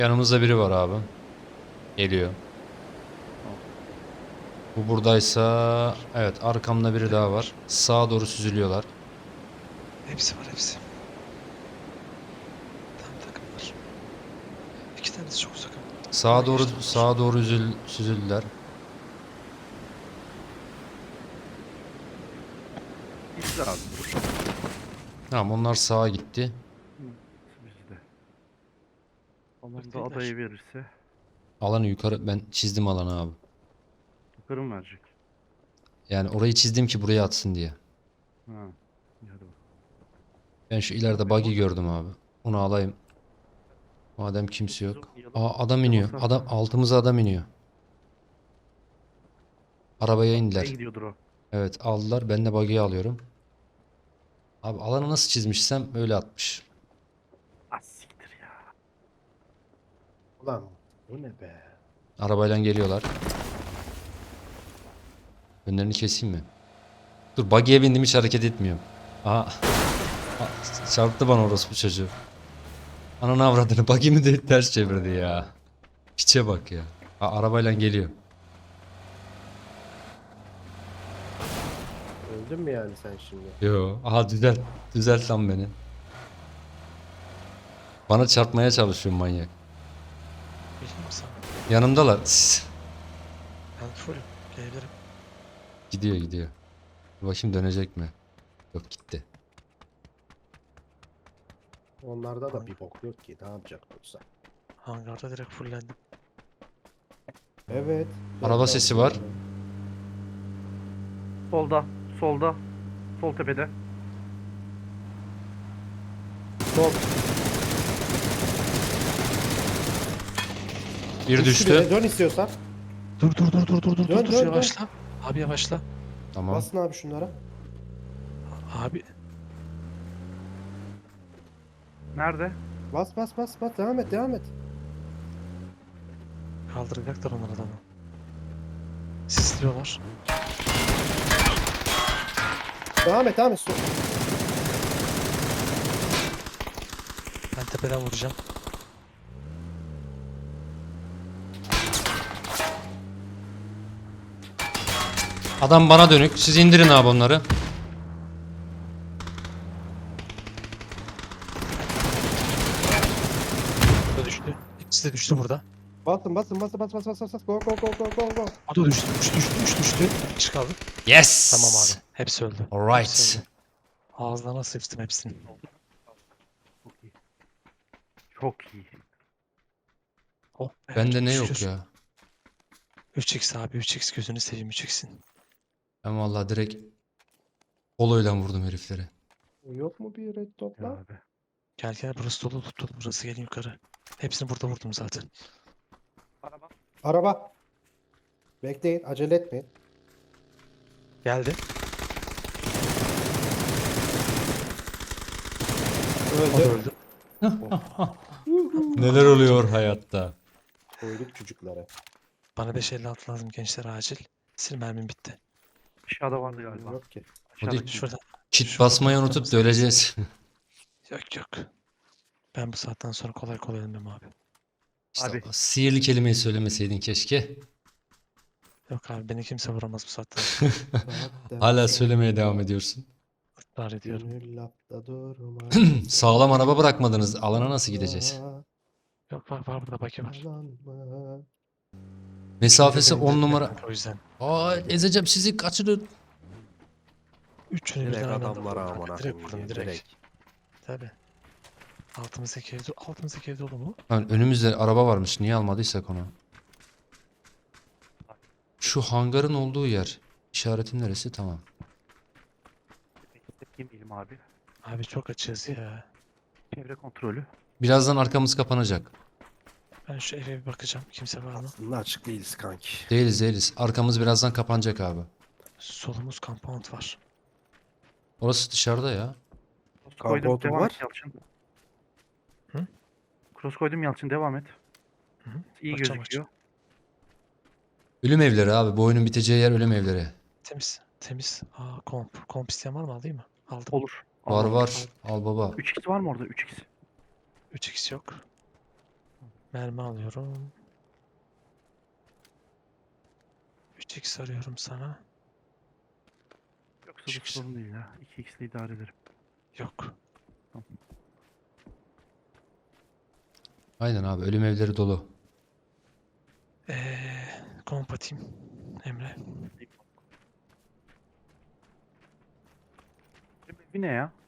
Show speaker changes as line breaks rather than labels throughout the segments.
Yanımızda biri var abi. Geliyor. Bu buradaysa evet, arkamda biri daha var. Sağa doğru süzülüyorlar.
Hepsi var hepsi. Tam takım var. İki tanesi çok uzak ama.
Sağa doğru
Geçti onlar.
süzüldüler.
İşte abi.
Tamam, onlar sağa gitti.
Bizde. Alan da adayı verirse
Alanı yukarı, ben çizdim alanı abi.
yukarı mı verecek?
Yani orayı çizdim ki buraya atsın diye.
Ha. İyi, hadi bakalım.
Ben şu ileride buggy gördüm abi. Onu alayım. Madem kimse yok. Aa, adam iniyor. Adam altımıza adam iniyor. Arabaya
Nereye
indiler.
gidiyordur o?
Evet, aldılar. Ben de buggy'yi alıyorum. Abi alanı nasıl çizmişsem öyle atmış.
Ah siktir ya.
Ulan bu ne be?
Arabayla geliyorlar. Önlerini keseyim mi? Dur, buggy'ye bindim, hiç hareket etmiyorum. Aha. Çarptı bana orospu çocuğu. Ananı avradını, buggy'mi de ters çevirdi ya. Piçe bak ya. Arabayla geliyor.
Öldün mü yani sen şimdi?
Yo. Aha, düzelt. Düzelt lan beni. Bana çarpmaya çalışıyor manyak.
Bilmiyorum sana.
Yanımdalar.
Ben fullüm. Gelebilirim.
Gidiyor gidiyor. Bakayım dönecek mi? Yok, gitti.
Onlarda da bir bok yok ki. Ne yapacak olsa.
Hangarda direkt fullendim.
Evet.
Araba
belli
sesi
oldu
var.
yani.
Solda. Solda. Sol tepede.
Sol.
Bir
Düştü
düştü.
bile. Dön istiyorsan.
Dur dur dur dur dur dur
Dön,
dur
dön,
yavaşla. Abi yavaşla.
Tamam.
Basın abi şunlara.
Abi
Nerede?
Bas bas bas bas. Devam et devam et.
kaldıracaklar onlar adamı. Sisliyorlar.
Devam et devam et.
Ben tepeden vuracağım.
Adam bana dönük. Siz indirin abi onları.
Bu da düştü. İkisi de düştü burada.
Basın basın basın bas bas bas bas bas. Go go go go go go.
O da düştü. Düştü. Bir kişi kaldı.
Yes.
Tamam abi. Hepsi öldü.
Alright.
Hepsi öldü. Ağızlarına sıçtım hepsini.
Çok iyi. Çok iyi.
Oh be,
Bende
çok
ne yok
şükür.
ya.
3x abi 3x gözünü seveyim 3x'in.
Ben vallahi direkt poloyla vurdum herifleri.
Yok mu bir red dot
Ya
lan?
abi.
Gel gel burası dolu dolu burası gelin yukarı. Hepsini burada vurdum zaten.
Araba. Bekleyin. Acele etmeyin.
Geldi. O da
Öldü.
öldü.
Neler oluyor hayatta?
Koyduk çocuklara.
Bana 5.56 lazım gençler acil. Sil mermim bitti.
Aşağıda vardı galiba.
Yok ki.
Aşağıda
Şurada.
Kit
Şurada
basmayı
bırakır
unutup
mısın?
da öleceğiz.
Yok yok. Ben bu saatten sonra kolay kolay ölmem abi.
İşte
Abi.
o sihirli kelimeyi söylemeseydin keşke.
Yok abi beni kimse vuramaz bu saatten sonra.
Hala söylemeye devam ediyorsun.
Israr ediyorum.
Gönül lafta durma.
Sağlam araba bırakmadınız. Alana nasıl gideceğiz?
Yok var burada baki var.
Yalanma.
Mesafesi
Benim
10
de
numara.
kanka, o yüzden.
Aa, ezeceğim sizi, kaçırın.
Üçünü
Direkt
birden aynı anda
adamlara
vurdum kanka.
amına
Direkt
koyayım,
vurdum direkt. Tabi. Altımızdaki ev dolu mu?
Lan önümüzde araba varmış. Niye almadıysak onu? Şu hangarın olduğu yer. İşaretin neresi? Tamam.
Yemeyelim abi.
Abi çok açığız ya.
Çevre kontrolü.
Birazdan arkamız kapanacak.
Ben şu eve bir bakacağım. Kimse var mı?
Aslında açık değiliz kanki.
Değiliz. Arkamız birazdan kapanacak abi.
Solumuz compound var.
Orası dışarıda ya.
Cross koydum.
Compound'um
Devam
var.
et Yalçın.
Hı?
Cross koydum Yalçın. Devam et.
Hı hı.
İyi
Bakacağım,
gözüküyor.
Ölüm evleri abi. Bu oyunun biteceği yer ölüm evleri.
Temiz. Temiz. Aa komp. Komp isteyen var mı alayım mı? Aldım.
Olur.
Var
Al.
var. Al baba.
3x var mı orada? 3x.
3x yok. Mermi alıyorum. 3x arıyorum sana.
Yoksa bu
Çıksın.
sorun değil ya. 2x'le idare ederim.
Yok.
Aynen abi, ölüm evleri dolu.
Komp atayım. Emre.
Bir ne ya?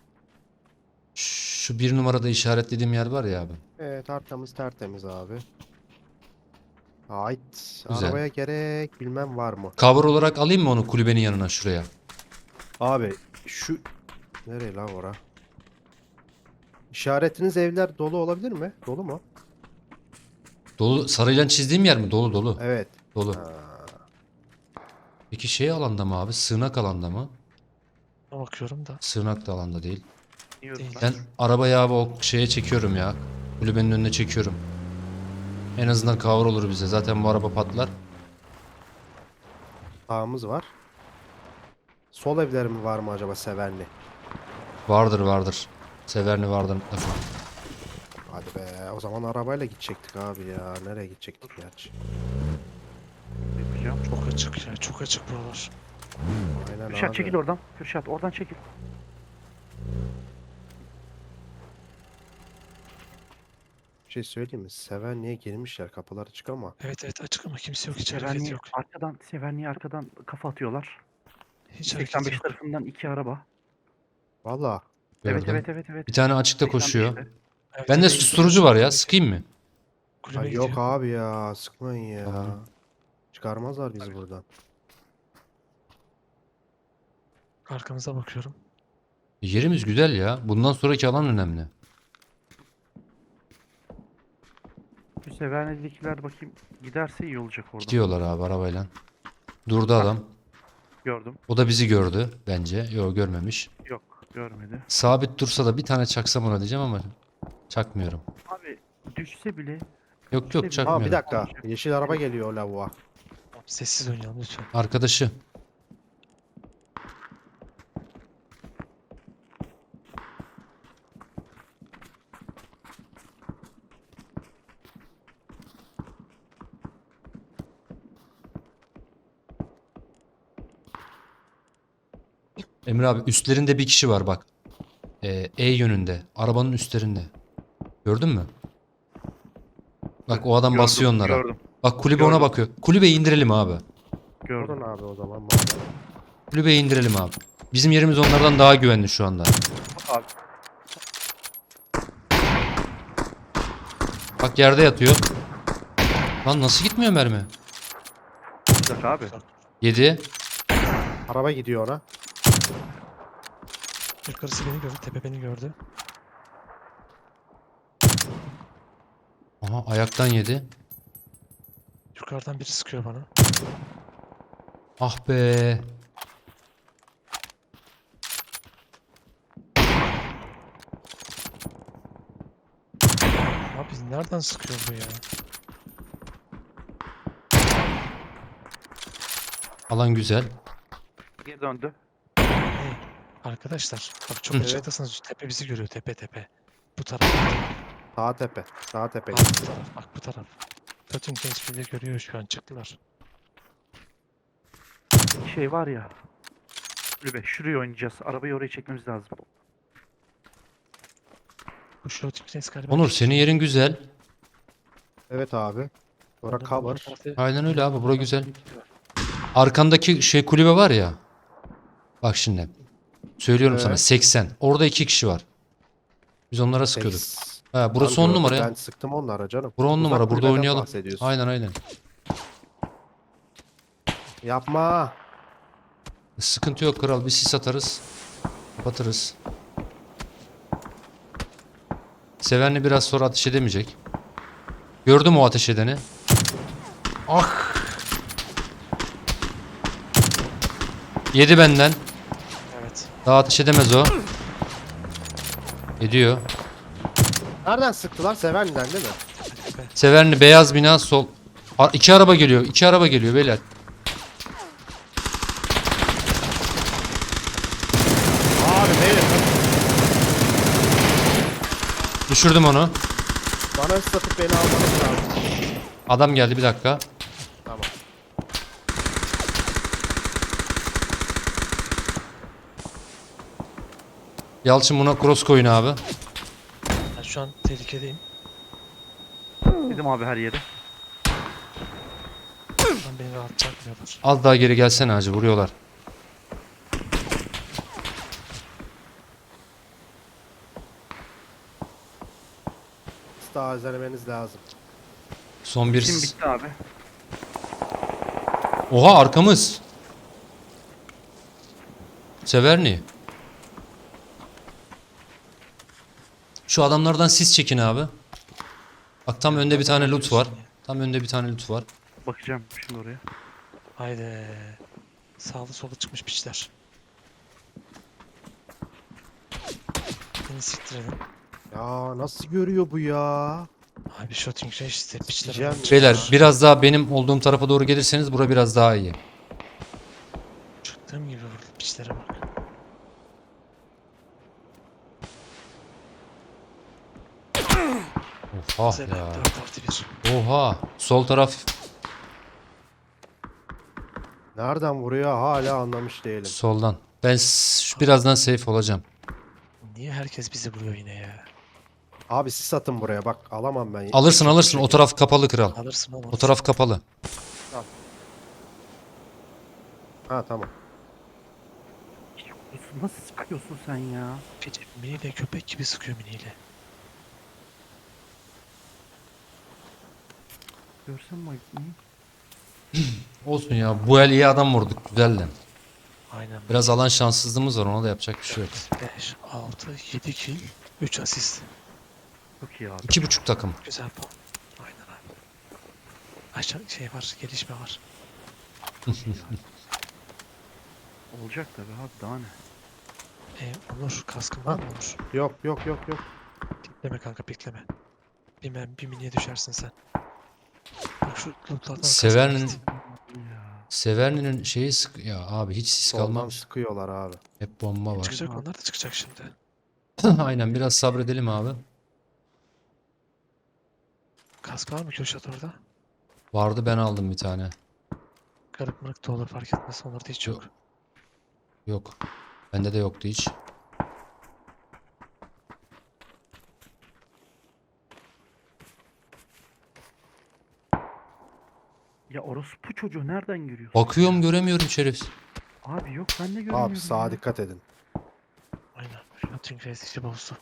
Şu bir numarada işaretlediğim yer var ya abi.
Evet, arkamız tertemiz abi. Ait.
Güzel.
Arabaya gerek bilmem var mı?
Cover olarak alayım mı onu kulübenin yanına şuraya?
Abi şu... Nereye lan ora? İşaretiniz evler dolu olabilir mi? Dolu mu?
Dolu, sarıyla çizdiğim yer mi? Dolu dolu.
Evet.
Dolu.
Ha.
Peki şey alanda mı abi? Sığınak alanda mı?
Buna bakıyorum da.
Sığınak da alanda değil.
Biliyorum
Değil.
ben.
Ben arabayı abi o şeye çekiyorum ya. Kulübenin önüne çekiyorum. En azından cover olur bize. Zaten bu araba patlar.
Sağımız var. Sol evler mi var mı acaba Severli?
Vardır vardır. Severni vardır mutlaka.
Hadi be. O zaman arabayla gidecektik abi ya. Nereye gidecektik gerçi?
Yapacağım.
Çok açık ya. Çok açık buralar.
Aynen
Kürşat
abi.
çekil oradan. Kürşat oradan çekil.
Bir şey söyleyeyim mi? Severli'ye girmişler. Kapılar açık ama.
Evet evet açık ama kimse yok. Hiç hareket yok.
Severniye arkadan kafa atıyorlar.
Hiç hareket
85
yok.
tarafından 2 araba.
Valla.
Gördüm.
Evet.
Bir tane açıkta koşuyor.
85'te.
Evet,
Bende
evet,
susturucu var ya. Sıkayım mı?
Kulübe
Ay
gidiyor.
yok abi ya. Sıkmayın ya.
Tamam.
Çıkarmazlar bizi buradan.
Arkamıza bakıyorum.
Yerimiz güzel ya. Bundan sonraki alan önemli.
Şu Severni'dekiler bakayım giderse iyi olacak orada.
Gidiyorlar abi arabayla. Durdu adam.
Gördüm.
O da bizi gördü bence. Yok, görmemiş.
Yok görmedi.
Sabit dursa da bir tane çaksam ona diyeceğim ama çakmıyorum.
Abi düşse bile
Yok yok,
Aa
çakmıyorum.
bir dakika. Yeşil araba geliyor lavuğa.
Tamam, sessiz oynayalım lütfen.
Arkadaşı. Emre abi, üstlerinde bir kişi var bak. E yönünde. Arabanın üstlerinde. Gördün mü? Bak o adam basıyor onlara.
Gördüm.
Bak kulübe ona
Gördüm.
bakıyor. Kulübeyi indirelim abi.
Gördüm.
Oradan abi o zaman. madem.
Kulübeyi indirelim abi. Bizim yerimiz onlardan daha güvenli şu anda.
Abi
Bak yerde yatıyor. Lan nasıl gitmiyor mermi?
olacak abi.
7.
Araba gidiyor ona.
Yukarısı beni gördü. Tepe beni gördü.
Aha, ayaktan yedi.
Yukarıdan biri sıkıyor bana.
Ah be.
Abi nereden sıkıyor bu ya?
Alan güzel.
Geri döndü.
Hey, arkadaşlar. Bak çok
Hı.
açıktasınız. Tepe bizi görüyor. Tepe tepe. Bu taraf.
Sağ tepe. Sağ tepe.
Bak bu taraf. Bak bu taraf. Bütün genç biri görüyor şu an. Çıktılar.
Şey var ya. Kulübe şuraya oynayacağız. Arabayı oraya çekmemiz lazım.
Bu Schlotiknes galiba.
Onur, senin yerin güzel.
Evet abi. Ora
Onur, bu
cover.
tarafta-
Aynen öyle abi, bura güzel. Arkandaki şey kulübe var ya. Bak şimdi. Söylüyorum sana,
Evet.
80. Orada 2 kişi var. Biz onlara sıkıyorduk. Ha, burası
Tam
10
gördüm,
numara ya.
Ben sıktım onlara canım.
Bura 10
Uzak
numara. Burada
kulübeden
oynayalım.
bahsediyorsun.
Aynen aynen.
Yapma.
Sıkıntı yok kral. Bir sis atarız. Kapatırız. Sevenli biraz sonra ateş edemeyecek. Gördüm o ateş edeni. Ah! Yedi benden.
Evet.
Daha ateş edemez o. Ediyor.
Nereden sıktılar? Sevenli'den değil mi?
Tepe.
Severni beyaz bina sol. İki araba geliyor. İki araba geliyor beyler.
Abi beyler.
Düşürdüm onu.
Bana ıslatıp beni almanız lazım.
Adam geldi, bir dakika.
Tamam.
Yalçın buna cross koyun abi.
Ben şu an tehlikedeyim.
Dedim abi her yere.
Lan beni rahat bırakmıyorlar.
Az daha geri gelsene hacı, vuruyorlar.
Siz daha özelemeniz lazım.
Son bir...
Şimdi bitti abi.
Oha, arkamız. Severni. Şu adamlardan siz çekin abi. Bak tam önde bir tane loot var. Tam önde bir tane loot var.
Bakacağım şimdi oraya.
Haydi. Sağlı sola çıkmış piçler. Beni siktirelim.
Ya nasıl görüyor bu ya?
Abi shooting range işte piçler.
Diyeceğim
adam.
Beyler biraz daha benim olduğum tarafa doğru gelirseniz bura biraz daha iyi.
Çıktığım gibi vurdu piçlere bak.
Oha
Zelen
ya.
4+1.
Oha. Sol taraf
Nereden vuruyor hala anlamış değilim.
soldan. Ben birazdan safe olacağım.
Niye herkes bizi vuruyor yine ya?
Abi siz satın buraya bak alamam ben.
Alırsın alırsın, o taraf kapalı kral.
Alırsın oğlum.
O taraf kapalı.
Ha tamam.
Nasıl sıkıyorsun sen ya?
Gece miniyle köpek gibi sıkıyor miniyle.
Görsen mi? Hı?
Olsun ya, bu el iyi adam vurduk, güzeldi.
Aynen.
Biraz alan şanssızlığımız var, ona da yapacak bir şey yok.
5, 6, 7 kill, 3 asist.
Çok iyi abi.
2,5 takım.
Güzel puan. Aynen abi. Aşağı şey var, gelişme var.
Olacak tabii abi daha ne?
Onur, kaskın var mı Onur?
Yok yok yok yok.
Pikleme kanka, pikleme. Bir miniye düşersin sen. Bak şu lootlardan
Severnin-
kaskın
Ya.
Severni'nin şeyi sık... Ya abi hiç sis
Soldan
kalmamış.
sıkıyorlar abi.
Hep bomba var.
çıkacak, onlar da çıkacak şimdi.
Aynen, biraz sabredelim abi.
Kask var mı Kürşat orada?
Vardı, ben aldım bir tane.
Garip mırık da olur, fark etmez. Onlarda hiç yok.
Yok. Bende de yoktu hiç.
Ya orospu çocuğu nereden görüyorsun?
Bakıyorum, göremiyorum şerif.
Abi yok ben de göremiyorum.
Abi sağa
ya.
dikkat edin.
Aynen. Shooting range işi bozdu.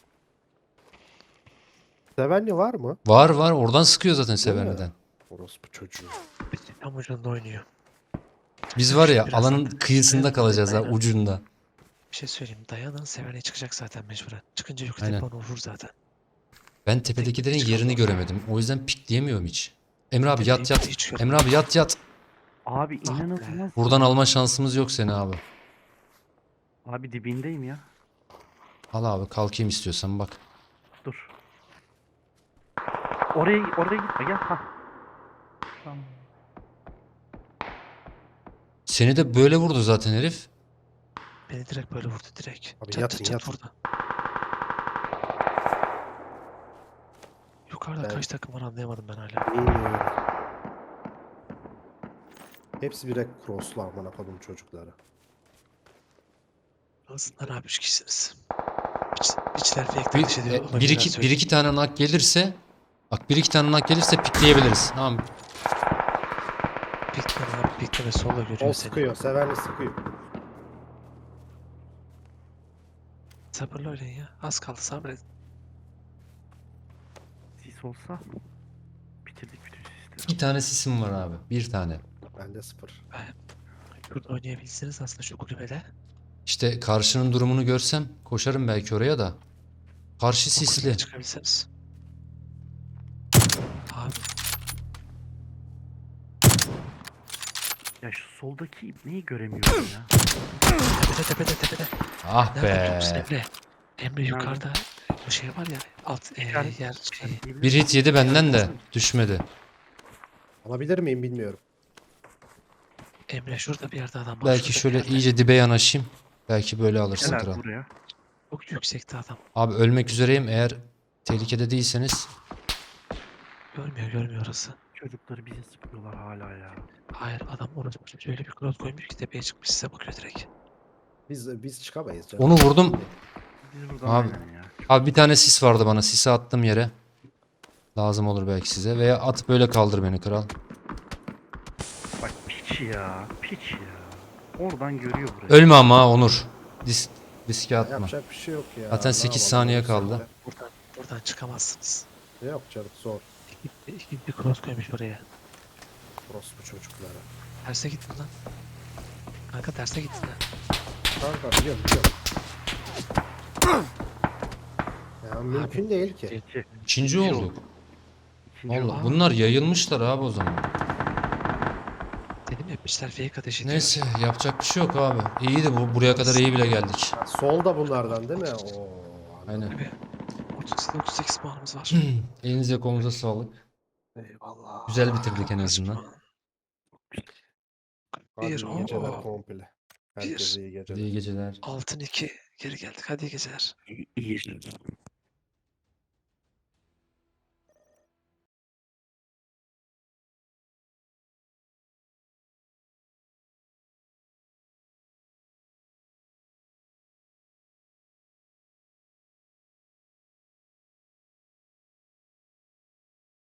Sevenli var mı?
Var var, oradan sıkıyor zaten
Değil mi?
Severni'den.
Orospu çocuğu.
Tam ucunda oynuyor.
Biz var ya,
Biraz-
alanın kıyısında kalacağız ha,
Aynen.
ucunda.
Bir şey söyleyeyim. Dayanın, Severni'ye çıkacak zaten mecburen. Çıkınca yukarı
Aynen.
tepana vurur zaten.
Ben tepedekilerin yerini göremedim. O yüzden pikleyemiyorum hiç. Emre abi yat yat.
Hiç görmedim.
Emre abi yat yat.
Abi
Ah be.
inanılmaz.
Buradan alma şansımız yok seni abi.
Abi dibindeyim ya.
Al abi, kalkayım istiyorsan bak.
Dur. Oraya gitme gel. Hah. Tamam.
Seni de böyle vurdu zaten herif.
Beni direkt böyle vurdu direkt.
Abi
Çat
yatın,
çat çat
yatın.
vurdu. Yukarıda
Ben-
kaç takım var anlayamadım ben hala.
Bilmiyorum. Hepsi bire crosslu amına kodum çocukları.
Aslında abi 3 kişisiniz. Biçler fake
Bir,
takış ediyor.
bir iki tane nak gelirse, bak bir iki tane nak gelirse pikleyebiliriz. Tamam.
Pikleme abi, pikleme sola görüyor
O
seni.
sıkıyor. Sevenli sıkıyor.
Sabırlı oynayın ya. Az kaldı, sabredin.
Sis olsa bitirdik bütün sistemi.
İki tane sisim var abi. Bir tane.
Bende 0.
Şurada oynayabilseniz aslında şu kulübede.
İşte karşının durumunu görsem koşarım belki oraya da. Karşı
O kulübeye
sisli.
çıkabilseniz. Abi
Ya şu soldaki ibneyi göremiyorum ya.
tepede.
Ah
Nerede biliyor
be.
musun Emre? Emre yukarıda o şey var ya, alt
İşaret-
yer şeyi.
Bir hit yedi benden de düşmedi.
Alabilir miyim bilmiyorum.
Emre şurada bir yerde adam var.
Belki
şurada bir
şöyle
yerde.
iyice dibe yanaşayım. Belki böyle alırsın
Gel
kral.
abi buraya.
Çok yüksekte adam.
Abi ölmek üzereyim, eğer tehlikede değilseniz.
Görmüyor orası.
Çocukları bize sıkıyorlar hala ya.
Hayır adam orası şöyle bir klot koymuş ki tepeye çıkmış size bakıyor direkt.
Biz çıkamayız canım.
Onu vurdum.
Biz buradan
Abi-
aynen ya.
Abi bir tane sis vardı bana. Sisi attım yere. Lazım olur belki size. Veya at böyle kaldır beni kral.
Bak piç ya. Piç ya. Oradan görüyor burayı.
Ölme ama ha, Onur. Riske atma.
Yapacak bir şey yok ya.
Zaten
Ne
8
yapalım
saniye
oğlum
kaldı.
Buradan çıkamazsınız.
sen de? Yok canım zor.
İki bir klot koymuş oraya.
Orospu çocuklara.
Terse gittin lan. Kanka terse gittin ha.
Kanka biliyorum. Ya mümkün değil ki.
İki.
İkinci
İkinci
olduk.
İkinci
Allah,
oldu.
bunlar yayılmışlar abi o zaman.
Dedim ya piçler fake ateş ediyor.
Neyse yapacak bir şey yok abi. İyiydi bu. Buraya kadar iyi bile geldik.
Solda bunlardan değil mi? Oo,
Aynen.
Abi 38 puanımız var.
Elinize kolunuza sağlık.
Eyvallah.
Güzel bitirdik en azından.
Hadi
Bir,
iyi geceler
oo.
komple. Herkese iyi geceler.
İyi geceler.
Altın 2 geri geldik. Hadi iyi geceler.
İyi.